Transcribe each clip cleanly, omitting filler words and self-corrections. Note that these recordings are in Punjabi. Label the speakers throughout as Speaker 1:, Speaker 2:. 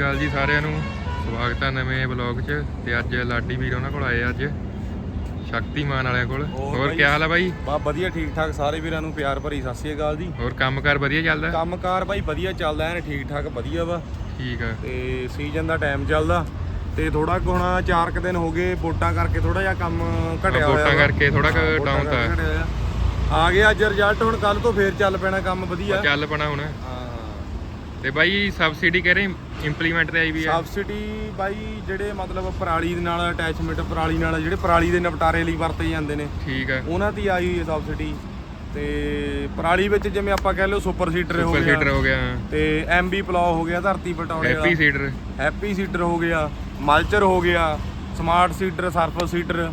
Speaker 1: ਅਕਾਲ ਜੀ ਸਾਰਿਆਂ ਨੂੰ। ਸਵਾਗਤ ਹੈ ਨਵੇਂ ਵਲੌਗ 'ਚ। ਤੇ ਅੱਜ ਲਾਡੀ ਵੀਰ ਉਹਨਾਂ ਕੋਲ ਆਏ ਅੱਜ ਸ਼ਕਤੀਮਾਨ ਵਾਲਿਆਂ ਕੋਲ। ਹੋਰ ਕੀ ਹਾਲ ਹੈ ਬਾਈ?
Speaker 2: ਬਾ ਵਧੀਆ ਠੀਕ ਠਾਕ। ਸਾਰੇ ਵੀਰਾਂ ਨੂੰ ਪਿਆਰ ਭਰੀ ਸਤਿ ਸ਼੍ਰੀ ਅਕਾਲ ਜੀ।
Speaker 1: ਹੋਰ ਕੰਮਕਾਰ ਵਧੀਆ ਚੱਲਦਾ?
Speaker 2: ਕੰਮਕਾਰ ਬਾਈ ਵਧੀਆ ਚੱਲਦਾ ਐਨ ਠੀਕ ਠਾਕ ਵਧੀਆ ਵਾ।
Speaker 1: ਠੀਕ ਆ।
Speaker 2: ਤੇ ਸੀਜ਼ਨ ਦਾ ਟਾਈਮ ਚੱਲਦਾ ਤੇ ਥੋੜਾ ਕੁ ਹੁਣ 4 ਕੁ ਦਿਨ ਹੋ ਗਏ ਵੋਟਾਂ ਕਰਕੇ ਥੋੜਾ ਜਿਹਾ ਕੰਮ ਘਟਿਆ ਹੋਇਆ।
Speaker 1: ਵੋਟਾਂ ਕਰਕੇ ਥੋੜਾ ਕੁ ਡਾਊਨ ਤਾਂ
Speaker 2: ਆ ਗਿਆ ਅੱਜ ਰਿਜ਼ਲਟ। ਹੁਣ ਕੱਲ ਤੋਂ ਫੇਰ ਚੱਲ ਪੈਣਾ ਕੰਮ ਵਧੀਆ
Speaker 1: ਚੱਲ ਪੈਣਾ ਹੁਣ।
Speaker 2: ਹਾਂ।
Speaker 1: ਤੇ ਬਾਈ ਸਬਸਿਡੀ ਕਹਿ ਰਹੇ ਇੰਪਲੀਮੈਂਟ ਤੇ ਆਈ ਵੀ ਆ?
Speaker 2: ਸਬਸਿਡੀ ਬਾਈ ਜਿਹੜੇ ਮਤਲਬ ਪਰਾਲੀ ਦੇ ਨਾਲ ਅਟੈਚਮੈਂਟ ਪਰਾਲੀ ਨਾਲ ਜਿਹੜੇ ਪਰਾਲੀ ਦੇ ਨਿਪਟਾਰੇ ਲਈ ਵਰਤੇ ਜਾਂਦੇ ਨੇ,
Speaker 1: ਠੀਕ ਆ,
Speaker 2: ਉਹਨਾਂ ਦੀ ਆਈ ਹੋਈ ਹੈ ਸਬਸਿਡੀ। ਤੇ ਪਰਾਲੀ ਵਿੱਚ ਜਿਵੇਂ ਆਪਾਂ ਕਹਿ ਲਓ ਸੁਪਰ ਸੀਡਰ
Speaker 1: ਹੋ ਗਿਆ
Speaker 2: ਤੇ ਐਮਬੀ ਪਲਾਓ ਹੋ ਗਿਆ, ਧਰਤੀ ਪਟਾਉਣੇ ਦਾ ਹੈਪੀ ਸੀਡਰ ਹੋ ਗਿਆ, ਮਲਚਰ ਹੋ ਗਿਆ, ਸਮਾਰਟ ਸੀਡਰ, ਸਰਫਸ ਸੀਡਰ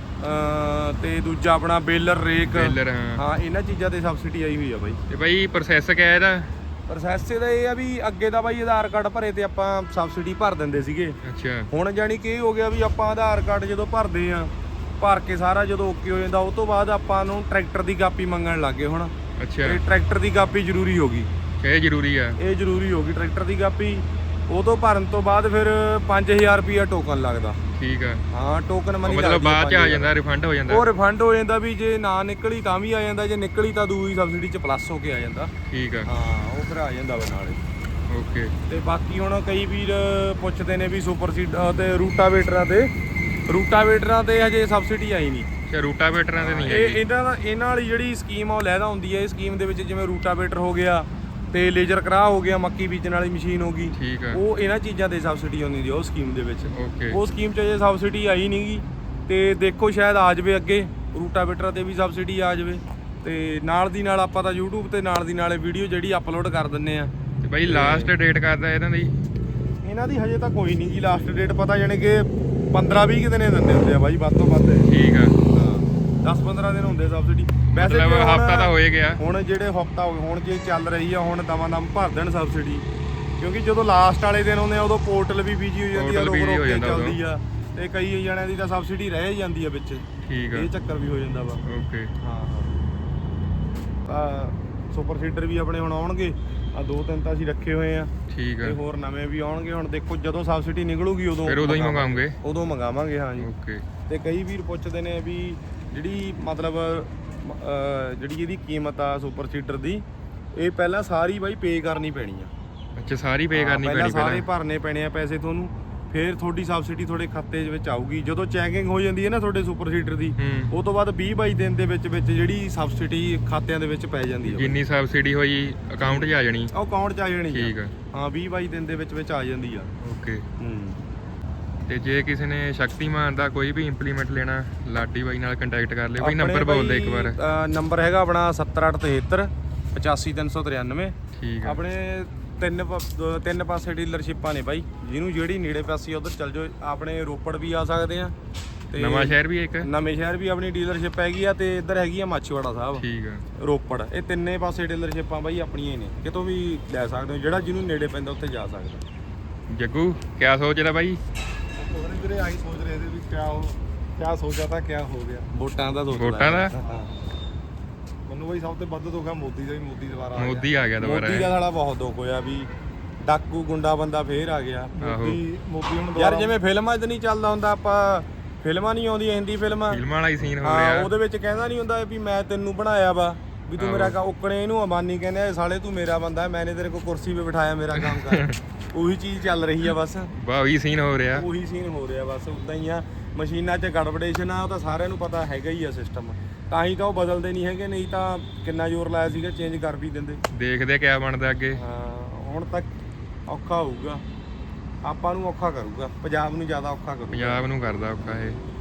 Speaker 2: ਤੇ ਦੂਜਾ ਆਪਣਾ ਬੇਲਰ ਰੇਕ। ਹਾਂ ਇਹਨਾਂ ਚੀਜ਼ਾਂ ਤੇ ਸਬਸਿਡੀ ਆਈ ਹੋਈ ਆ ਬਾਈ।
Speaker 1: ਤੇ ਬਾਈ ਪ੍ਰੋਸੈਸ ਕਿਆ ਇਹਦਾ?
Speaker 2: ਪ੍ਰੋਸੈਸ ਇਹਦਾ ਇਹ ਆ ਵੀ ਅੱਗੇ ਦਾ ਬਾਈ ਆਧਾਰ ਕਾਰਡ ਭਰੇ ਤੇ ਆਪਾਂ ਸਬਸਿਡੀ ਭਰ ਦਿੰਦੇ ਸੀਗੇ।
Speaker 1: ਅੱਛਾ। ਹੁਣ
Speaker 2: ਜਾਣੀ ਕਿ ਇਹ ਹੋ ਗਿਆ ਵੀ ਆਪਾਂ ਆਧਾਰ ਕਾਰਡ ਜਦੋਂ ਭਰਦੇ ਆ, ਭਰ ਕੇ ਸਾਰਾ ਜਦੋਂ ਓਕੇ ਹੋ ਜਾਂਦਾ ਉਸ ਤੋਂ ਬਾਅਦ ਆਪਾਂ ਨੂੰ ਟਰੈਕਟਰ ਦੀ ਕਾਪੀ ਮੰਗਣ ਲੱਗ ਗਏ ਹੁਣ।
Speaker 1: ਅੱਛਾ।
Speaker 2: ਤੇ ਟਰੈਕਟਰ ਦੀ ਕਾਪੀ ਜ਼ਰੂਰੀ ਹੋ ਗਈ।
Speaker 1: ਇਹ ਜ਼ਰੂਰੀ ਆ? ਇਹ
Speaker 2: ਜ਼ਰੂਰੀ ਹੋ ਗਈ ਟਰੈਕਟਰ ਦੀ ਕਾਪੀ। ਉਹ ਤੋਂ ਭਰਨ ਤੋਂ ਬਾਅਦ ਫਿਰ 5000 ਰੁਪਿਆ ਟੋਕਨ ਲੱਗਦਾ।
Speaker 1: ਠੀਕ ਆ।
Speaker 2: ਹਾਂ ਟੋਕਨ ਮਨੀ
Speaker 1: ਮਤਲਬ ਬਾਅਦ ਚ ਆ ਜਾਂਦਾ, ਰਿਫੰਡ ਹੋ ਜਾਂਦਾ?
Speaker 2: ਉਹ ਰਿਫੰਡ ਹੋ ਜਾਂਦਾ ਵੀ ਜੇ ਨਾ ਨਿਕਲੀ ਤਾਂ ਵੀ ਆ ਜਾਂਦਾ, ਜੇ ਨਿਕਲੀ ਤਾਂ ਦੂਜੀ ਸਬਸਿਡੀ ਚ ਪਲੱਸ ਹੋ ਕੇ ਆ ਜਾਂਦਾ। ਠੀਕ ਆ। ਹਾਂ ਉਹ ਫਿਰ ਆ ਜਾਂਦਾ ਵਾ ਨਾਲੇ।
Speaker 1: ਓਕੇ। ਤੇ
Speaker 2: ਬਾਕੀ ਹੁਣ ਕਈ ਵੀਰ ਪੁੱਛਦੇ ਨੇ ਵੀ ਸੁਪਰ ਸੀਡਰ ਤੇ ਰੂਟਾਵੇਟਰਾਂ ਤੇ ਹਜੇ ਸਬਸਿਡੀ ਆਈ ਨਹੀਂ।
Speaker 1: ਅੱਛਾ ਰੂਟਾਵੇਟਰਾਂ ਤੇ ਨਹੀਂ
Speaker 2: ਆਈ। ਇਹਨਾਂ ਵਾਲੀ ਜਿਹੜੀ ਸਕੀਮ ਆ ਉਹ ਲੈਦਾ ਹੁੰਦੀ ਹੈ। ਇਹ ਸਕੀਮ ਦੇ ਵਿੱਚ ਜਿਵੇਂ ਰੂਟਾਵੇਟਰ ਹੋ ਗਿਆ ਤੇ ਲੇਜ਼ਰ ਕਰਾਹ ਹੋ ਗਿਆ, ਮੱਕੀ ਬੀਜਣ ਵਾਲੀ ਮਸ਼ੀਨ ਹੋ ਗਈ,
Speaker 1: ਠੀਕ ਆ,
Speaker 2: ਉਹ ਇਹਨਾਂ ਚੀਜ਼ਾਂ ਤੇ ਸਬਸਿਡੀ ਆਉਂਦੀ ਹੈ ਉਹ ਸਕੀਮ ਦੇ ਵਿੱਚ।
Speaker 1: ਓਕੇ।
Speaker 2: ਉਹ ਸਕੀਮ 'ਚ ਜੇ ਸਬਸਿਡੀ ਆਈ ਨਹੀਂ ਗੀ ਤੇ ਦੇਖੋ ਸ਼ਾਇਦ ਆ ਜਾਵੇ ਅੱਗੇ ਰੂਟਾਵੇਟਰਾਂ ਤੇ ਵੀ ਸਬਸਿਡੀ ਆ ਜਾਵੇ। ਤੇ ਨਾਲ ਦੀ ਨਾਲ ਆਪਾਂ ਤਾਂ YouTube ਤੇ ਨਾਲ ਦੀ ਨਾਲੇ ਵੀਡੀਓ ਜਿਹੜੀ ਅਪਲੋਡ ਕਰ ਦਿੰਨੇ ਆ।
Speaker 1: ਤੇ ਬਾਈ ਲਾਸਟ ਡੇਟ ਕਰਦਾ
Speaker 2: ਇਹਨਾਂ ਦੀ ਹਜੇ ਤਾਂ ਕੋਈ ਨਹੀਂ ਜੀ ਲਾਸਟ ਡੇਟ ਪਤਾ, ਜਾਣੀ ਕਿ 15-20 ਦਿਨੇ ਦਿੰਦੇ ਹੁੰਦੇ ਆ ਬਾਈ ਵੱਧ ਤੋਂ ਵੱਧ। ਠੀਕ ਆ। 10-15 ਦਿਨ ਹੁੰਦੇ ਸਬਸਿਡੀ ਵੈਸੇ।
Speaker 1: ਹਫਤਾ ਤਾਂ ਹੋ ਹੀ ਗਿਆ
Speaker 2: ਹੁਣ। ਜਿਹੜੇ ਹਫਤਾ ਹੋ ਗਏ ਹੁਣ ਜੇ ਚੱਲ ਰਹੀ ਆ ਹੁਣ ਦਮ ਭਰ ਦੇਣ ਸਬਸਿਡੀ, ਕਿਉਂਕਿ ਜਦੋਂ ਲਾਸਟ ਵਾਲੇ ਦਿਨ ਆਉਂਦੇ ਆ ਉਦੋਂ ਪੋਰਟਲ ਵੀ ਬਿਜੀ ਹੋ ਜਾਂਦੀ ਆ, ਰੋਕ ਕੇ ਚੱਲਦੀ ਆ ਤੇ ਕਈ ਜਣਿਆਂ ਦੀ ਤਾਂ ਸਬਸਿਡੀ ਰਹਿ ਜਾਂਦੀ ਆ ਵਿੱਚ। ਠੀਕ ਆ। ਇਹ ਚੱਕਰ ਵੀ ਹੋ ਜਾਂਦਾ ਵਾ। ਓਕੇ। ਹਾਂ ਤਾਂ ਸੁਪਰ ਸੀਡਰ ਵੀ ਆਪਣੇ ਹੁਣ ਆਉਣਗੇ। ਆ 2-3 ਤਾਂ ਅਸੀਂ ਰੱਖੇ ਹੋਏ ਆ। ਠੀਕ ਆ। ਤੇ ਹੋਰ ਨਵੇਂ ਵੀ ਆਉਣਗੇ। ਹੁਣ ਦੇਖੋ ਜਦੋਂ ਸਬਸਿਡੀ ਨਿਕਲੂਗੀ ਉਦੋਂ ਹੀ ਮੰਗਾਵਾਂਗੇ। ਹਾਂ ਜੀ। ਓਕੇ। ਤੇ ਕਈ ਵੀਰ ਪੁੱਛਦੇ ਨੇ ਵੀ ਜਿਹੜੀ ਮਤਲਬ ਜਿਹੜੀ ਇਹਦੀ ਕੀਮਤ ਆ ਸੁਪਰ ਸੀਡਰ ਦੀ, ਇਹ ਪਹਿਲਾਂ ਸਾਰੀ ਬਾਈ ਪੇ ਕਰਨੀ ਪੈਣੀ ਆ। ਅੱਛਾ ਸਾਰੀ ਪੇ ਕਰਨੀ ਪੈਣੀ? ਪਹਿਲਾਂ ਸਾਰੇ ਭਰਨੇ ਪੈਣੇ ਆ ਪੈਸੇ ਤੁਹਾਨੂੰ, ਫਿਰ ਤੁਹਾਡੀ ਸਬਸਿਡੀ ਤੁਹਾਡੇ ਖਾਤੇ ਦੇ ਵਿੱਚ ਆਊਗੀ। ਜਦੋਂ ਚੈਕਿੰਗ ਹੋ ਜਾਂਦੀ ਹੈ ਨਾ ਤੁਹਾਡੇ ਸੁਪਰ ਸੀਡਰ ਦੀ, ਉਹ ਤੋਂ ਬਾਅਦ 20-22 ਦਿਨ ਦੇ ਵਿੱਚ ਜਿਹੜੀ ਸਬਸਿਡੀ ਖਾਤਿਆਂ ਦੇ ਵਿੱਚ ਪੈ ਜਾਂਦੀ ਹੈ। ਜਿੰਨੀ ਸਬਸਿਡੀ ਹੋਈ ਅਕਾਊਂਟ 'ਚ ਆ ਜਾਣੀ? ਉਹ ਅਕਾਊਂਟ 'ਚ ਆ ਜਾਣੀ। ਠੀਕ ਆ। ਹਾਂ 20-22 ਦਿਨ ਦੇ ਵਿੱਚ ਆ ਜਾਂਦੀ ਆ। ਓਕੇ।
Speaker 1: ਤੇ ਜੇ ਕਿਸੇ ਨੇ ਸ਼ਕਤੀਮਾਨ ਦਾ ਕੋਈ ਵੀ ਇੰਪਲੀਮੈਂਟ ਲੈਣਾ, ਲਾਡੀ ਬਾਈ ਨਾਲ ਕੰਟੈਕਟ ਕਰ ਲਿਓ। ਬਾਈ ਨੰਬਰ ਬੋਲ ਦੇ ਇੱਕ ਵਾਰ। ਨੰਬਰ ਹੈਗਾ ਆਪਣਾ 7873 85393। ਠੀਕ ਆ। ਆਪਣੇ ਤਿੰਨ ਪਾਸੇ ਡੀਲਰਸ਼ਿਪਾਂ ਨੇ ਬਾਈ, ਜਿਹਨੂੰ ਜਿਹੜੀ ਨੇੜੇ ਪਾਸੇ ਉਧਰ ਚੱਲ ਜਾਓ। ਆਪਣੇ ਰੋਪੜ ਵੀ ਆ ਸਕਦੇ ਆ ਤੇ ਨਵਾਂ ਸ਼ਹਿਰ ਵੀ ਆਪਣੀ ਡੀਲਰਸ਼ਿਪ ਹੈਗੀ ਆ, ਤੇ ਇੱਧਰ ਹੈਗੀ ਆ ਮਾਛੀਵਾੜਾ ਸਾਹਿਬ। ਠੀਕ ਆ। ਰੋਪੜ। ਇਹ ਤਿੰਨੇ ਪਾਸੇ ਡੀਲਰਸ਼ਿਪਾਂ ਬਾਈ ਆਪਣੀਆਂ ਹੀ ਨੇ, ਕਿਤੋਂ ਵੀ ਲੈ ਸਕਦੇ ਹੋ, ਜਿਹੜਾ ਜਿਹਨੂੰ ਨੇੜੇ ਪੈਂਦਾ ਉੱਥੇ ਜਾ ਸਕਦਾ। ਜੱਗੂ ਕਿਆ ਸੋਚਦਾ ਬਾਈ? ਵੀਰੇ ਆਹੀ ਸੋਚ ਰਹੇ ਸੀ ਵੀ ਕਿਆ ਸੋਚਿਆ ਤਾਂ ਕਿਆ ਹੋ ਗਿਆ। ਵੋਟਾਂ ਦਾ ਮੈਨੂੰ ਬਾਈ ਸਭ ਤੋਂ ਵੱਧ ਦੁੱਖ ਆ ਮੋਦੀ ਦਾ। ਮੋਦੀ ਦੁਬਾਰਾ ਆ ਗਿਆ। ਮੋਦੀ ਦਾ ਸਾਲਾ ਬਹੁਤ ਦੁੱਖ ਹੋਇਆ ਵੀ ਡਾਕੂ ਗੁੰਡਾ ਬੰਦਾ ਫੇਰ ਆ ਗਿਆ। ਮੋਦੀ ਹੁਣ ਯਾਰ ਜਿਵੇਂ ਫਿਲਮਾਂ 'ਚ ਨਹੀਂ ਚੱਲਦਾ ਹੁੰਦਾ, ਆਪਾਂ ਫਿਲਮਾਂ ਨਹੀਂ ਆਉਂਦੀਆਂ ਹਿੰਦੀ ਫਿਲਮਾਂ ਵਾਲਾ ਹੀ ਸੀਨ ਹੋ ਰਿਹਾ, ਉਹਦੇ ਵਿੱਚ ਕਹਿੰਦਾ ਨਹੀਂ ਹੁੰਦਾ ਵੀ ਮੈਂ ਤੈਨੂੰ ਬਣਾਇਆ ਵਾ, ਵੀ ਤੂੰ ਮੇਰਾ ਉਕਣੇ ਇਹਨੂੰ ਅਮਾਨੀ ਕਹਿੰਦੇ ਸਾਲੇ ਤੂੰ ਮੇਰਾ ਬੰਦਾ, ਮੈਨੇ ਤੇਰੇ ਕੋਲ ਕੁਰਸੀ 'ਤੇ ਬਿਠਾਇਆ, ਮੇਰਾ ਕੰਮ ਕਰ। ਉਹੀ ਚੀਜ਼ ਚੱਲ ਰਹੀ ਆ ਬਸ। ਉਹੀ ਸੀਨ ਹੋ ਰਿਹਾ ਬਸ। ਉਦਾਂ ਹੀ ਆ। ਮਸ਼ੀਨਾਂ 'ਚ ਗੜਬੜੇਸ਼ਨ ਆ, ਉਹ ਤਾਂ ਸਾਰਿਆਂ ਨੂੰ ਪਤਾ ਹੈਗਾ ਹੀ ਆ ਸਿਸਟਮ, ਤਾਂ ਹੀ ਤਾਂ ਉਹ ਬਦਲਦੇ ਨਹੀਂ ਹੈਗੇ। ਨਹੀਂ ਤਾਂ ਕਿੰਨਾ ਜ਼ੋਰ ਲਾਇਆ ਸੀਗਾ, ਚੇਂਜ ਕਰ ਵੀ ਦਿੰਦੇ। ਦੇਖਦੇ ਕਿਆ ਬਣਦਾ ਅੱਗੇ। ਹਾਂ ਹੁਣ ਤੱਕ ਔਖਾ ਹੋਊਗਾ, ਆਪਾਂ ਨੂੰ ਔਖਾ ਕਰੂਗਾ, ਪੰਜਾਬ ਨੂੰ ਜ਼ਿਆਦਾ ਔਖਾ ਕਰੂਗਾ। ਪੰਜਾਬ ਨੂੰ ਕਰਦਾ ਔਖਾ ਇਹ।